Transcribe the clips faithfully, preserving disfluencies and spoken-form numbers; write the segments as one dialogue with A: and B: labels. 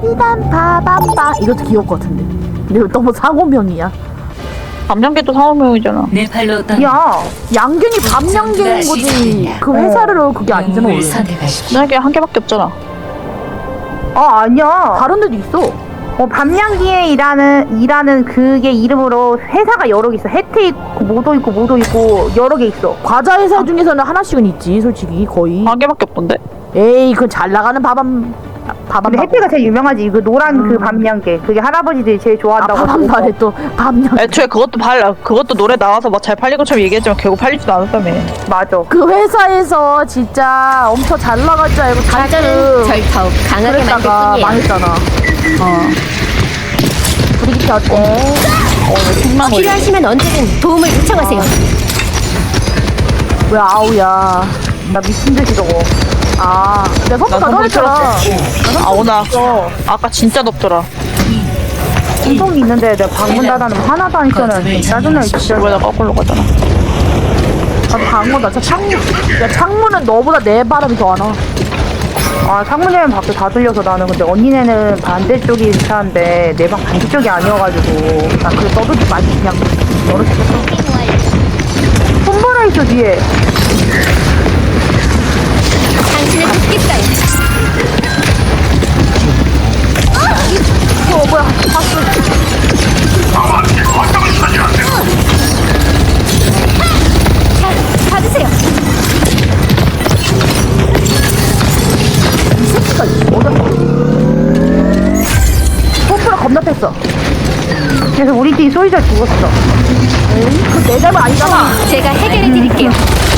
A: 난 바바바 이것도 귀여울 것 같은데. 근데 이거 너무 상호명이야.
B: 밤양개도 상호명이잖아.
C: 네팔로 떠.
A: 야, 양갱이 밤양갱인 거지. 그 회사를 그게 아니잖아 원래.
B: 만약에 한 개밖에 없잖아.
D: 아 아니야.
A: 다른 데도 있어.
D: 어 밤양기에 일하는 일하는 그게 이름으로 회사가 여러 개 있어. 혜태 있고 모도 있고 모도 있고 여러 개 있어.
A: 과자 회사 중에서는 하나씩은 있지 솔직히 거의.
B: 한 개밖에 없던데.
A: 에이 그 잘 나가는 밥한 밥한.
D: 근데 혜태가 제일 유명하지. 그 노란 그 밤양개. 그게 할아버지들이 제일
A: 아,
D: 좋아한다고.
A: 밥한 발에 또 밤양.
B: 애초에 그것도 팔 그것도 노래 나와서 막 잘 팔린 것처럼 얘기했지만 결국 팔리지도 않았다며.
D: 맞아.
A: 그 회사에서 진짜 엄청 잘 나갈 줄 알고
E: 과자는 절
A: 잔뜩
E: 더욱 강하게 만들
A: 그랬다가
E: 뿐이에요.
A: 망했잖아. 어. 브리기트 어때?
B: 어, 왜
E: 필요하시면 언제든 도움을 요청하세요.
A: 왜 아우야?
D: 나 미친 듯이 저거.
A: 아, 내가 선물
B: 난 선물
A: 가져왔잖아.
B: 아 오늘 아까, 아까 진짜 덥더라.
D: 신통이 있는데 내가 방문 닫아놓으면 하나도 안 켜는 짜증나 진짜.
B: 왜 나 거꾸로 가잖아.
A: 아, 방어다. 저 창문. 야, 창문은 너보다 내 바람이 더 안 와.
D: 아 창문이면 밖에 다 들려서 나는. 근데 언니네는 반대쪽이 차인데 내 방 반대쪽이 아니어가지고
A: 나 그래 떠들지 말지 그냥 열어주겠어.
D: 손보라 있어 뒤에.
E: 당신을 돕겠어요.
A: 어, 뭐야? 봤어.
E: 자, 받으세요.
A: 이 새끼가 어디? 포프가 겁나 뺐어.
D: 그래서 우리 팀 소리자 죽었어.
A: 에이, 그내 잘못 아니잖아.
E: 제가 해결해 드릴게요.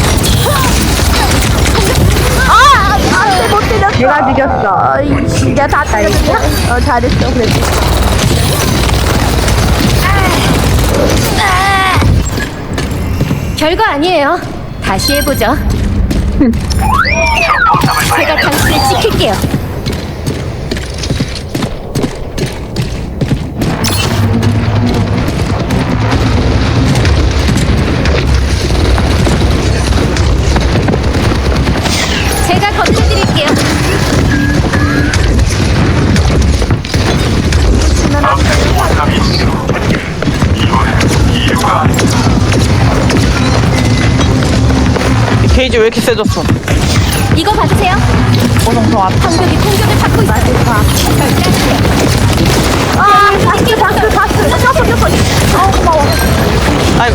A: 아, 안돼 못 때렸어.
D: 내가 죽였어.
A: 아이씨, 내가 다 때렸냐? 어, 잘했어, 그래도.
E: 별거 아니에요. 다시 해보죠. 제가 당신을 지킬게요. 제가 건져드릴게요.
B: 이 게이지 왜 이렇게 세졌어?
E: 이거 받으세요.
B: 고성성 앞.
E: 방벽이 공격을 받고 있어요. 절대하세요.
A: 아, 다스, 다스, 다스. 꼈어, 꼈어. 아, 고마워.
B: 아이고.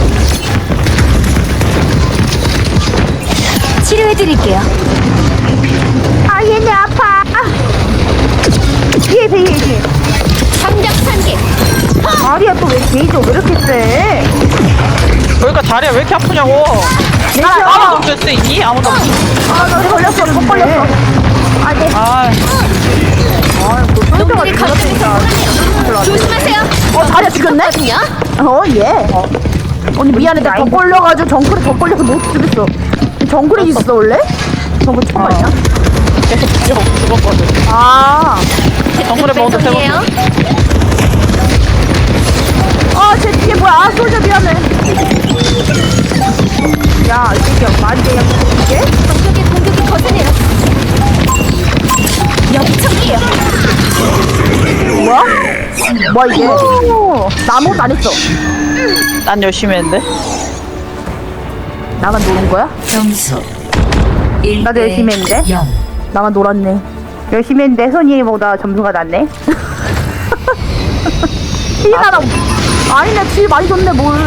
E: 치료해드릴게요.
D: 아 얘네 아파. 뒤에 뒤에 뒤에.
E: 장작 산개.
D: 다리야 또 왜 게이지가 왜 이렇게 세?
B: 그러니까 다리가 왜 이렇게 아프냐고.
D: 내가
B: 아무도 없을 수 있니? 아무도 없어.
A: 아, 나 걸렸어, 못 걸렸어. 아, 네.
B: 아,
E: 놈들이 거점에서 몰아내요. 조심하세요.
A: 어, 다리야 죽였네?
E: 거든요.
A: 어, 예. 언니 미안해, 내가 더 걸려가지고 정글에 더 걸려서 못 죽였어. 정글에 있어 원래? 정글 처음 아니야?
B: 계속 죽여 죽었거든.
A: 아,
B: 정글에 먹어도 되고.
E: 배송이에요.
A: 아, 쟤 뒤에 뭐야? 아, 솔저 미안해.
D: 야 이 새끼야 말이야 이게?
E: 방벽의 공격이 거세네요. 역청이에요.
A: 뭐야? 뭐야 이게? 나 아무것도 안 했어.
B: 난 열심히 했는데.
A: 나만 노는 거야?
C: 점수
D: 나도 열심히 했는데.
C: 영.
A: 나만 놀았네.
D: 열심히 했는데 손이보다 점수가 낮네.
A: 티나라. 아니네, 티 많이 줬네 뭘.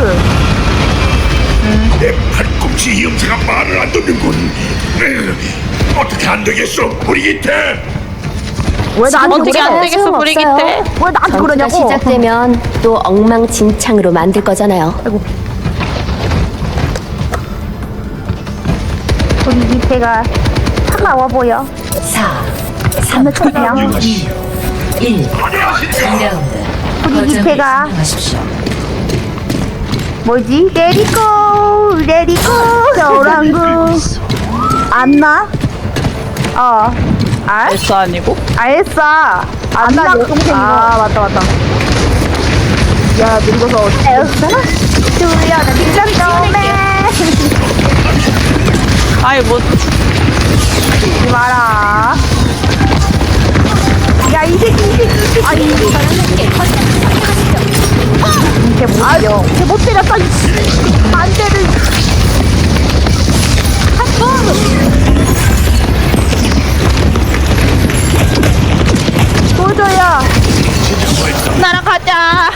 F: 내 팔꿈치 염세가 말을 안 듣는군. 에휴, 어떻게 안 되겠어, 브리기테?
A: 왜 나한테
B: 어떻게
A: 그래?
B: 안 되겠어, 브리기테?
A: 왜 나한테
E: 전투가
A: 그러냐고?
E: 시작되면 또 엉망진창으로 만들 거잖아요.
A: 아이고.
D: 우리 밑에가 차가워 보여.
C: 사.
A: 삼 천이야.
C: 이. 일. 이 라운드.
D: 우리 밑에가
C: 하십시오.
D: 뭐지? 레디고 레디고.
A: 겨울왕국. 안나?
D: 어. 알?
B: S 아니고?
D: 알았어.
A: 안나
D: 안나
A: 여동생이고. 아, 맞다, 맞다. 야, 늙어서
D: 알았어? 둘려나 뒷전dom에
B: 아이 뭐
D: 하지 마라. 야, 이 새끼, 이 새끼, 이 새끼. 아니, 걔 못 때려. 걔 못 때렸어, 이씨. 반대를. 도저야.
B: 날아가자.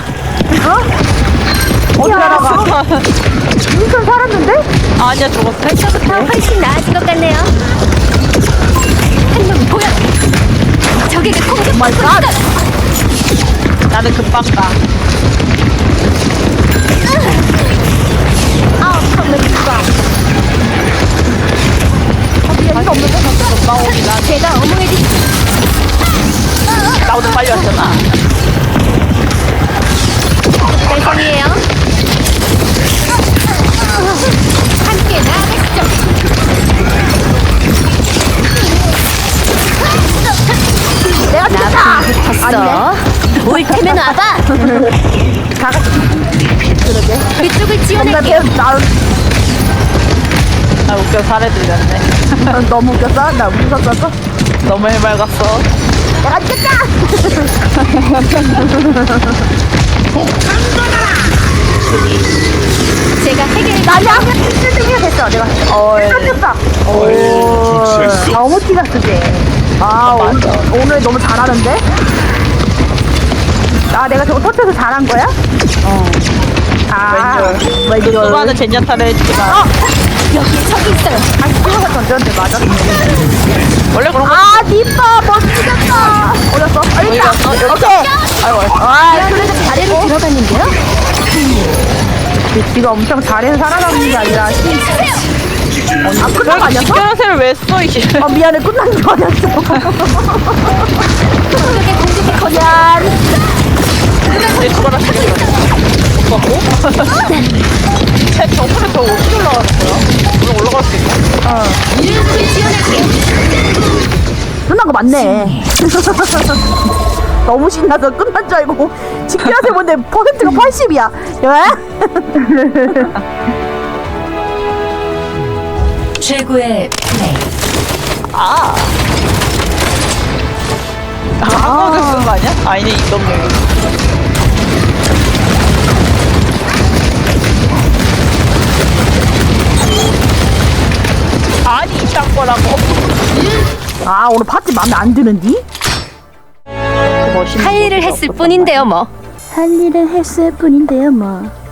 D: 어디 날아가? 인천 살았는데?
B: 아니야 죽었어.
E: 더 훨씬 나아진 것 같네요. 한 놈 보여. 적에게 공격.
D: 마이 갓.
B: 나는 금방 가.
D: 아, 컴퓨터.
A: 얘가 없는데?
B: 나오기나.
E: 제가 어머니들
B: 나 오늘 빨리 왔잖아.
E: 달성이에요. 함께 나가시죠.
D: 내가 진짜.
E: 붙었어. 올 테면 와봐. 그쪽을
D: 나
E: 지원할게.
D: 배, 나
B: 나 웃겨 살에 들렸네.
D: 너무 웃겼어? 나 웃었었어?
B: 너무 해맑았어.
D: 내가 진짜.
E: 제가 해결해.
D: 나야? 일 등이야 됐어. 내가.
B: 어이.
D: 깜짝다.
F: 오, 실수.
D: 너무 티가 쓰지. 아, 오늘, 오늘 너무 잘하는데? 아, 내가 저거 터쳐서 잘한 거야? 어. 아,
B: 왼쪽.
D: 왼쪽.
B: 수많은 젠야타를 했지만
E: 여기 저기 있어요.
D: 다시 찍어서 던졌는데 맞았어.
B: 원래 그런 거.
D: 아, 니빠 멋지겠다. 어렸어? 아,
B: 어디
D: 있다.
B: 갔어? 여기
D: 오케이.
B: 아이고.
D: 아, 그래도
E: 아래로 들어갔는데요.
D: 지가 엄청 잘해서 살아남는 게 아니라 아, 끝난 거 아니었어?
B: 직결하세를 왜 써, 이게?
D: 어, 미안해, 끝난 줄 알았어.
E: 적에게 공격이 거절.
D: 미안.
B: 내 주바라 쓰겠어. 먹고? 쟤 저번에 더 어떻게 올라가는 거야? 오늘 올라갈 수 있나?
E: 이름을 지원할게.
D: 끝난 거 맞네. 너무 신나서 끝난 줄 알고 직결세 본데 퍼센트가 팔십이야.
C: 최고의 플레이.
B: 아. 아, 한국에 쓴거 아니야? 아니네, 이건 뭐. 아니, 이딴 거라고.
D: 아, 오늘 파티 마음에 안 드는디?
B: 멋있는
E: 할 일을 했을 뿐인데요, 뭐.
A: 할 일을 했을 뿐인데요 뭐.